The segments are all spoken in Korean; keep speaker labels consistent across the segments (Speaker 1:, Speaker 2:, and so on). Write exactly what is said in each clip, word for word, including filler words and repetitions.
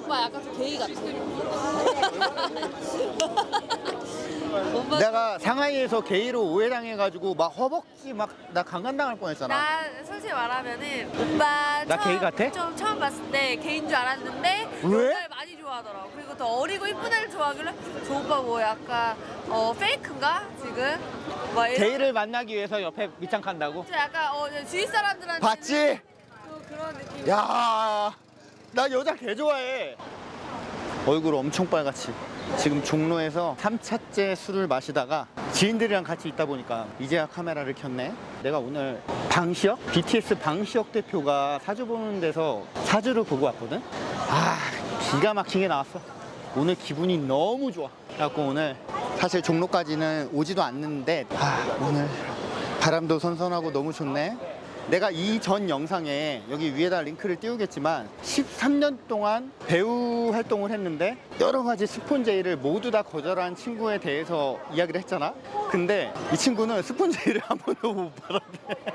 Speaker 1: 오빠 약간 좀 게이 같아. 오빠
Speaker 2: 내가 상하이에서 게이로 오해당해가지고 막 허벅지 막 나 강간당할 뻔했잖아.
Speaker 1: 나 솔직히 말하면은 오빠
Speaker 2: 나
Speaker 1: 처음,
Speaker 2: 게이 같아?
Speaker 1: 좀 처음 봤을 때 게이인 줄 알았는데
Speaker 2: 왜?
Speaker 1: 여자를 많이 좋아하더라고. 그리고 더 어리고 이쁜 애를 좋아하길래 저 오빠 뭐 약간 어 페이크인가 지금? 막 이런
Speaker 2: 게이를 만나기 위해서 옆에 밑장 칸다고?
Speaker 1: 좀 약간 어 주위 사람들한테
Speaker 2: 봤지?
Speaker 1: 또 그런 느낌.
Speaker 2: 야, 나 여자 개 좋아해. 얼굴 엄청 빨갛지. 지금 종로에서 삼 차째 술을 마시다가 지인들이랑 같이 있다 보니까 이제야 카메라를 켰네. 내가 오늘 방시혁? 비티에스 방시혁 대표가 사주 보는 데서 사주를 보고 왔거든? 아, 기가 막히게 나왔어. 오늘 기분이 너무 좋아. 그래갖고 오늘 사실 종로까지는 오지도 않는데 아, 오늘 바람도 선선하고 너무 좋네. 내가 이전 영상에 여기 위에다 링크를 띄우겠지만 십삼 년 동안 배우 활동을 했는데 여러 가지 스폰제이를 모두 다 거절한 친구에 대해서 이야기를 했잖아. 근데 이 친구는 스폰제이를 한 번도 못 받았대.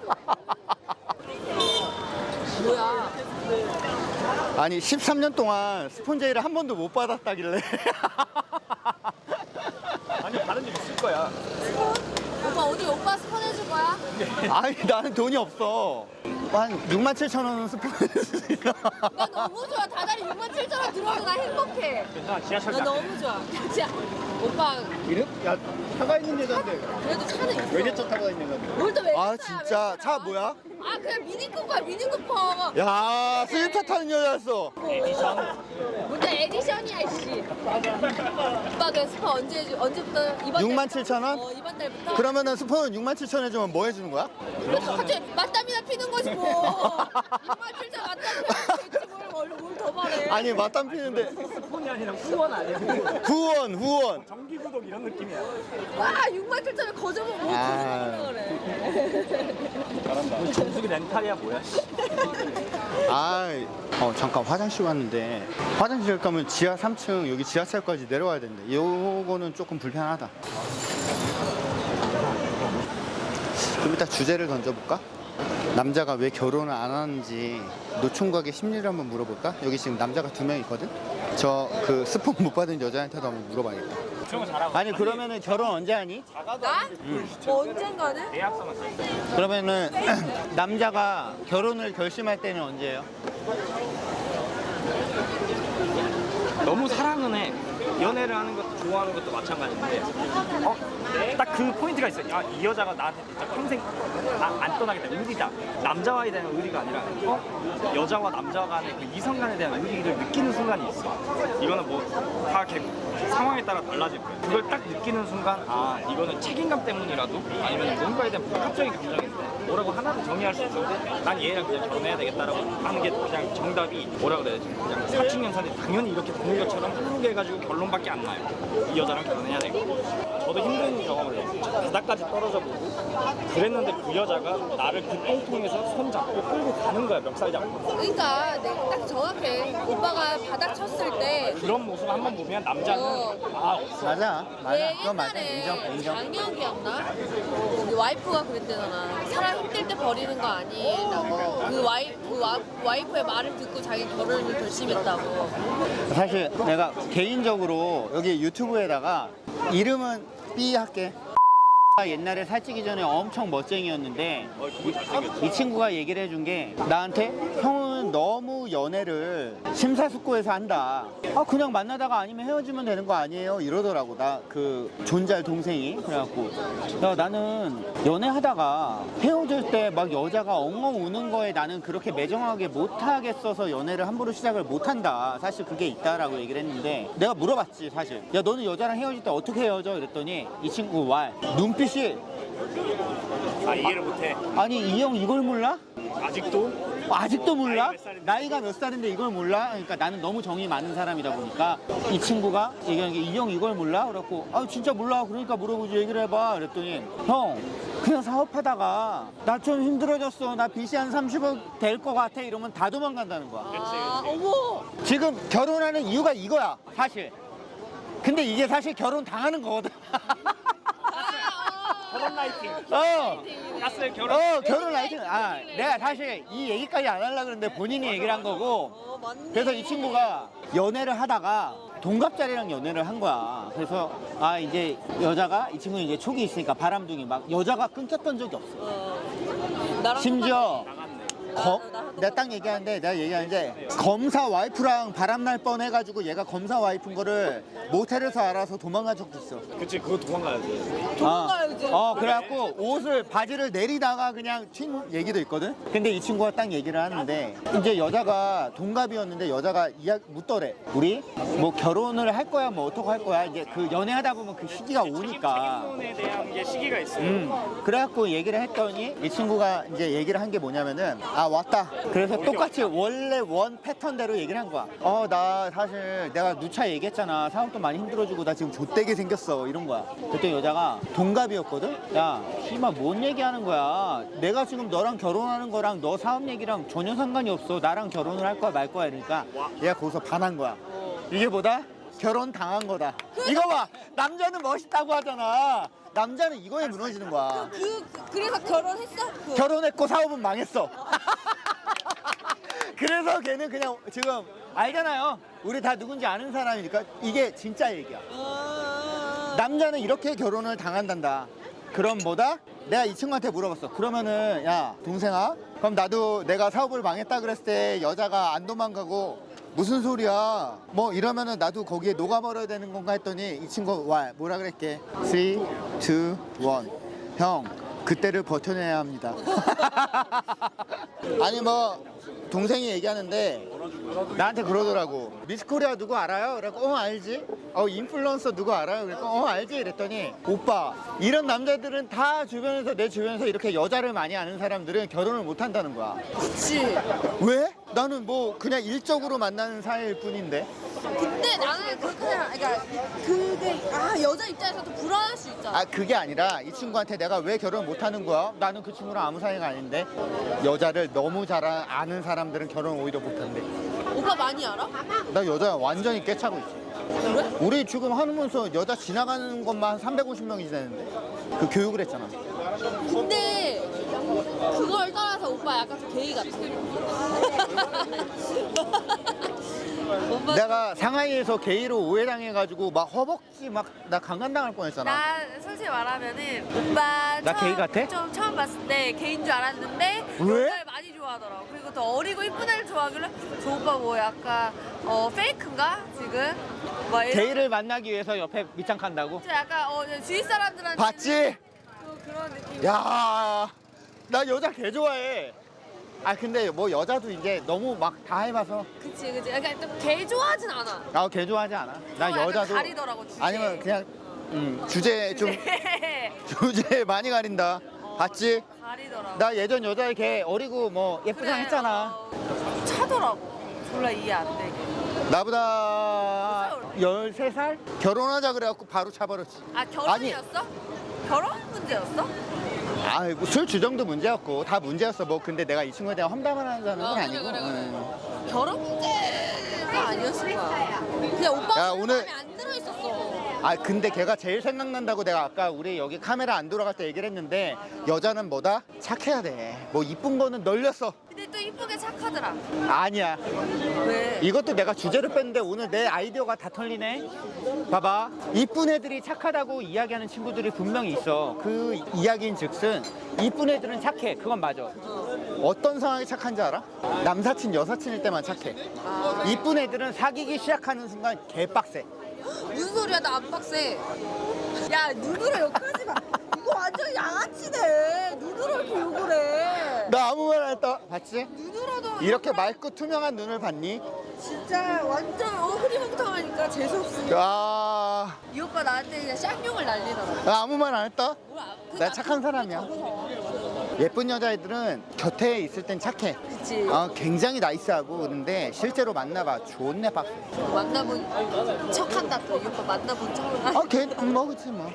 Speaker 1: 뭐야?
Speaker 2: 아니 십삼 년 동안 스폰제이를 한 번도 못 받았다길래.
Speaker 3: 아니 다른 일 있을 거야.
Speaker 1: 오빠 어디 오빠 스폰 해줄 거야?
Speaker 2: 아니 나는 돈이 없어. 한 육만 칠천 원 스폰 해줄 수 있어.
Speaker 1: 나 너무 좋아. 다달이 육만 칠천 원 들어도 나 행복해.
Speaker 3: 괜찮아 지하철
Speaker 1: 나 너무 좋아. 진짜 오빠
Speaker 2: 이름? 야 차가 있는 여자인데
Speaker 1: 그래도 차는 있어.
Speaker 2: 외제차 타고 있는 건데.
Speaker 1: 뭘또 왜?
Speaker 2: 아 진짜 차 뭐야?
Speaker 1: 아 그냥 미니쿠퍼야 미니쿠퍼.
Speaker 2: 야 스위차 타는 여자였어.
Speaker 1: 뭔데 에디션이야 씨. 오빠 그 스폰 언제 해주? 언제부터 이번?
Speaker 2: 육만
Speaker 1: 달부터?
Speaker 2: 칠천 원?
Speaker 1: 어 이번 달부터.
Speaker 2: 그러면은 스폰은 육만 칠천 원 해주면 뭐 해주는 거야?
Speaker 1: 그래서 갑자기 맞담이나 피는 거지 뭐. 육만 칠천 맞담이나 피지 뭘뭘더 말해.
Speaker 2: 아니 맞담 피는데
Speaker 3: 폰이 아니라 후원 아니야. 후원.
Speaker 2: 후원 후원.
Speaker 3: 정기 구독 이런 느낌이야.
Speaker 1: 와 육만 칠천 원 거저먹 뭐
Speaker 2: 아.
Speaker 1: 거저먹으라 그래.
Speaker 3: 잘한다. 뭐 정수기 렌탈이야 뭐야?
Speaker 2: 아, 어 잠깐 화장실 왔는데 화장실 가면 지하 삼 층 여기 지하철까지 내려와야 되는데 요거는 조금 불편하다. 좀 이따 주제를 던져볼까? 남자가 왜 결혼을 안 하는지 노총각의 심리를 한번 물어볼까? 여기 지금 남자가 두 명 있거든? 저 그 스폰 못 받은 여자한테도 한번 물어봐야겠다.
Speaker 3: 그런 거 잘하고.
Speaker 2: 아니 그러면은 결혼 언제 하니?
Speaker 1: 나? 뭐 언젠가는?
Speaker 3: 계약서만 써.
Speaker 2: 그러면은 남자가 결혼을 결심할 때는 언제예요?
Speaker 3: 너무 사랑은 해. 연애를 하는 것도 좋아하는 것도 마찬가지인데 어? 딱 그 포인트가 있어. 야, 이 여자가 나한테 진짜 평생 나 안 떠나겠다. 의리다. 남자와에 대한 의리가 아니라 어? 여자와 남자 간의 그 이성 간에 대한 의리를 느끼는 순간이 있어. 이거는 뭐 다 상황에 따라 달라질 거야. 그걸 딱 느끼는 순간 아 이거는 책임감 때문이라도 아니면 뭔가에 대한 복합적인 감정인데 뭐라고 하나를 정의할 수 없는데 난 얘랑 그냥 결혼해야 되겠다라고 하는 게 그냥 정답이 뭐라 그래야 되지? 그냥 사칙연산이 당연히 이렇게 되는 것처럼 흐르게 해가지고 결론밖에 안 나요. 이 여자랑 결혼해야 되고 저도 힘든 경험을 했어요. 바닥까지 떨어져 보고 그랬는데 그 여자가 나를 그 똥통에서 손 잡고 끌고 가는 거야. 멱살 잡고.
Speaker 1: 그러니까 내가 딱 정확해. 오빠가 바닥 쳤을 때
Speaker 3: 그런 모습 한번 보면 남자는
Speaker 1: 어.
Speaker 3: 아 없어.
Speaker 2: 맞아 맞아
Speaker 1: 얘
Speaker 2: 그건 맞아
Speaker 1: 옛날에
Speaker 2: 인정 인정.
Speaker 1: 장혁이었나? 우리 와이프가 그랬대잖아. 사람 힘들 때 버리는 거 아니라고. 그 와이프 그 와, 와이프의 말을 듣고 자기 결혼을 결심했다고.
Speaker 2: 사실 내가 개인적으로 여기 유튜브에다가 이름은 B 할게. 옛날에 살찌기 전에 엄청 멋쟁이였는데
Speaker 3: 어, 그거 잘생겼어.
Speaker 2: 이 친구가 얘기를 해준 게 나한테 형은 너무 연애를 심사숙고해서 한다. 아 그냥 만나다가 아니면 헤어지면 되는 거 아니에요 이러더라고. 나 그 존잘 동생이. 그래갖고 야 나는 연애하다가 헤어질 때 막 여자가 엉엉 우는 거에 나는 그렇게 매정하게 못하겠어서 연애를 함부로 시작을 못한다. 사실 그게 있다라고 얘기를 했는데 내가 물어봤지 사실. 야 너는 여자랑 헤어질 때 어떻게 헤어져? 이랬더니 이 친구 말 눈빛이
Speaker 3: 아 이해를 못해.
Speaker 2: 아니 이 형 이걸 몰라?
Speaker 3: 아직도
Speaker 2: 아직도 몰라?
Speaker 3: 나이가 몇 살인데?
Speaker 2: 나이가 몇 살인데 이걸 몰라? 그러니까 나는 너무 정이 많은 사람이다 보니까 이 친구가 얘기하는 게 이 형 이걸 몰라? 그래갖고 아 진짜 몰라. 그러니까 물어보지 얘기를 해봐. 그랬더니 형 그냥 사업하다가 나 좀 힘들어졌어. 나 빚이 한 삼십억 될 것 같아. 이러면 다 도망간다는 거야.
Speaker 1: 아 어머.
Speaker 2: 지금 결혼하는 이유가 이거야 사실. 근데 이게 사실 결혼 당하는 거거든.
Speaker 1: 아, 아.
Speaker 3: 결혼 라이팅.
Speaker 2: 어.
Speaker 3: 가스 결혼.
Speaker 2: 어 결혼 라이팅. 아 내가 사실 이 얘기까지 안 하려고 그랬는데 본인이 얘기를 한 거고.
Speaker 1: 어, 맞네.
Speaker 2: 그래서 이 친구가 연애를 하다가 동갑자리랑 연애를 한 거야. 그래서 아 이제 여자가 이 친구는 이제 촉이 있으니까 바람둥이 막 여자가 끊겼던 적이 없어.
Speaker 1: 어, 나랑
Speaker 2: 심지어
Speaker 3: 나갔네.
Speaker 2: 검,
Speaker 1: 나- 나-
Speaker 2: 내가 딱 얘기하는데 내가 얘기하는데 검사 와이프랑 바람날 뻔해가지고 얘가 검사 와이프인 거를 모텔에서 알아서 도망간 적도 있어.
Speaker 3: 그치 그거 도망가야지.
Speaker 1: 도망가야지.
Speaker 2: 어, 어, 그래갖고 옷을 바지를 내리다가 그냥 튄 얘기도 있거든. 근데 이 친구가 딱 얘기를 하는데 이제 여자가 동갑이었는데 여자가 이야기 묻더래. 우리 뭐 결혼을 할 거야 뭐 어떻게 할 거야 이제 그 연애하다 보면 그 시기가 오니까.
Speaker 3: 책임론에 대한 게 시기가 있어요.
Speaker 2: 음, 그래갖고 얘기를 했더니 이 친구가 이제 얘기를 한 게 뭐냐면은 아 왔다. 그래서 똑같이 원래 원 패턴대로 얘기를 한 거야. 어 나 사실 내가 누차 얘기했잖아. 사업도 많이 힘들어지고 나 지금 좆되게 생겼어 이런 거야. 그때 여자가 동갑이었거든. 야 씨발 뭔 얘기하는 거야. 내가 지금 너랑 결혼하는 거랑 너 사업 얘기랑 전혀 상관이 없어. 나랑 결혼을 할 거야 말 거야 이러니까 얘가 거기서 반한 거야. 이게 뭐다? 결혼 당한 거다. 이거 봐. 남자는 멋있다고 하잖아. 남자는 이거에 무너지는 거야.
Speaker 1: 그, 그 그래서 결혼했어? 그.
Speaker 2: 결혼했고 사업은 망했어. 그래서 걔는 그냥 지금 알잖아요. 우리 다 누군지 아는 사람이니까 이게 진짜 얘기야.
Speaker 1: 아,
Speaker 2: 남자는 이렇게 결혼을 당한단다. 그럼 뭐다? 내가 이 친구한테 물어봤어. 그러면은 야 동생아, 그럼 나도 내가 사업을 망했다 그랬을 때 여자가 안 도망가고 무슨 소리야? 뭐 이러면은 나도 거기에 녹아버려야 되는 건가 했더니 이 친구 와 뭐라 그랬게? 삼, 이, 일. 형 그때를 버텨내야 합니다. 아니 뭐 동생이 얘기하는데 나한테 그러더라고. 미스코리아 누구 알아요? 그래서 어 알지. 어 인플루언서 누구 알아요? 그래서 어 알지. 그랬더니 오빠 이런 남자들은 다 주변에서 내 주변에서 이렇게 여자를 많이 아는 사람들은 결혼을 못 한다는 거야.
Speaker 1: 그치.
Speaker 2: 왜? 나는 뭐 그냥 일적으로 만나는 사이일 뿐인데.
Speaker 1: 근데 나는 그렇게 생각, 그러니까 그게 아 여자 입장에서도 불안할 수 있잖아.
Speaker 2: 아 그게 아니라 이 친구한테 내가 왜 결혼 못 하는 거야? 나는 그 친구랑 아무 사이가 아닌데. 여자를 너무 잘 아는 사람들은 결혼 오히려 못 한대.
Speaker 1: 오빠 많이 알아?
Speaker 2: 나 여자 완전히 깨차고 있어.
Speaker 1: 그래?
Speaker 2: 우리 지금 하면서 여자 지나가는 것만 한 삼백오십 명이 지나는데 그 교육을 했잖아.
Speaker 1: 근데 그걸 떠나서 오빠 약간 좀 게이 같아. 오빠
Speaker 2: 내가 상하이에서 게이로 오해당해가지고 막 허벅지 막 나 강간당할 뻔했잖아.
Speaker 1: 나 솔직히 말하면은 오빠
Speaker 2: 나
Speaker 1: 처음,
Speaker 2: 게이 같아?
Speaker 1: 좀 처음 봤을 때 게이인 줄 알았는데
Speaker 2: 왜?
Speaker 1: 여자를 많이 좋아하더라고. 그리고 더 어리고 이쁜 애를 좋아하길래 저 오빠 뭐 약간 어 페이크인가 지금? 막 이런
Speaker 2: 게이를 만나기 위해서 옆에 밑장 칸다고?
Speaker 1: 좀 약간 어 주위 사람들한테
Speaker 2: 봤지?
Speaker 1: 또 그런 느낌.
Speaker 2: 야, 나 여자 개 좋아해. 아 근데 뭐 여자도 이제 너무 막 다 해봐서
Speaker 1: 그치 그치. 그러니까 좀개 좋아하진 않아.
Speaker 2: 나 개 좋아하지 않아. 나
Speaker 1: 어, 약간
Speaker 2: 여자도
Speaker 1: 가리더라고, 주제.
Speaker 2: 아니면 그냥 음, 주제 좀
Speaker 1: 네.
Speaker 2: 주제 많이 가린다. 봤지?
Speaker 1: 가리더라고.
Speaker 2: 나 예전 여자애 걔 어리고 뭐 예쁘장
Speaker 1: 그래,
Speaker 2: 했잖아.
Speaker 1: 어, 차더라고. 졸라 이해 안 되게.
Speaker 2: 나보다 열세 살? 결혼하자 그래갖고 바로 차버렸지.
Speaker 1: 아 결혼이었어? 결혼 문제였어?
Speaker 2: 아, 뭐 술 주정도 문제였고 다 문제였어. 뭐 근데 내가 이 친구에 대한 험담을 하는 건
Speaker 1: 어, 그래,
Speaker 2: 아니고.
Speaker 1: 그래, 그래.
Speaker 2: 응.
Speaker 1: 결혼 문제가 아니었을 거야. 그냥 오빠가
Speaker 2: 야, 오늘-
Speaker 1: 마음에 안 들어 있었어.
Speaker 2: 아 근데 걔가 제일 생각난다고 내가 아까 우리 여기 카메라 안 돌아갈 때 얘기를 했는데 여자는 뭐다? 착해야 돼. 뭐 이쁜 거는 널렸어.
Speaker 1: 근데 또 이쁘게 착하더라.
Speaker 2: 아니야.
Speaker 1: 왜?
Speaker 2: 이것도 내가 주제를 뺐는데 오늘 내 아이디어가 다 털리네. 봐봐. 이쁜 애들이 착하다고 이야기하는 친구들이 분명히 있어. 그 이야기인 즉슨 이쁜 애들은 착해. 그건 맞아. 어떤 상황에 착한지 알아? 남사친 여사친일 때만 착해.
Speaker 1: 아.
Speaker 2: 이쁜 애들은 사귀기 시작하는 순간 개빡세.
Speaker 1: 무슨 소리야? 나 안 빡세. 야 누구를 욕하지 마. 이거 완전 양아치네. 누구를 이렇게 욕을 해.
Speaker 2: 나 아무 말 안 했다. 봤지?
Speaker 1: 누구라도
Speaker 2: 이렇게 맑고 투명한 눈을 봤니?
Speaker 1: 진짜 완전 어, 흐리멍텅하니까 재수없으니까.
Speaker 2: 야,
Speaker 1: 이 오빠 나한테 그냥 쌍욕을 날리더라고.
Speaker 2: 나 아무 말 안 했다.
Speaker 1: 뭐야?
Speaker 2: 나 착한 사람이야. 예쁜 여자애들은 곁에 있을 땐 착해.
Speaker 1: 그치.
Speaker 2: 어, 굉장히 나이스하고 그런데 실제로 만나봐 존내 빡세.
Speaker 1: 만나본 척한다 또. 이 오빠 만나본 척.
Speaker 2: 아, 걔 뭐 그치 뭐.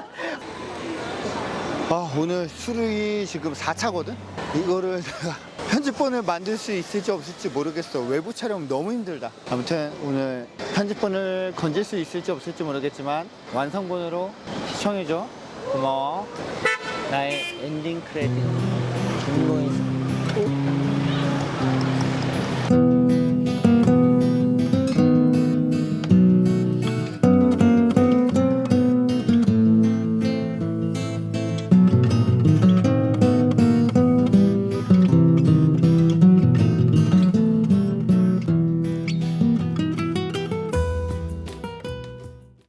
Speaker 2: 아, 오늘 술이 지금 사 차거든? 이거를 내가 편집본을 만들 수 있을지 없을지 모르겠어. 외부 촬영 너무 힘들다. 아무튼 오늘 편집본을 건질 수 있을지 없을지 모르겠지만 완성본으로 시청해줘. 고마워. 나의 엔딩 크레딧.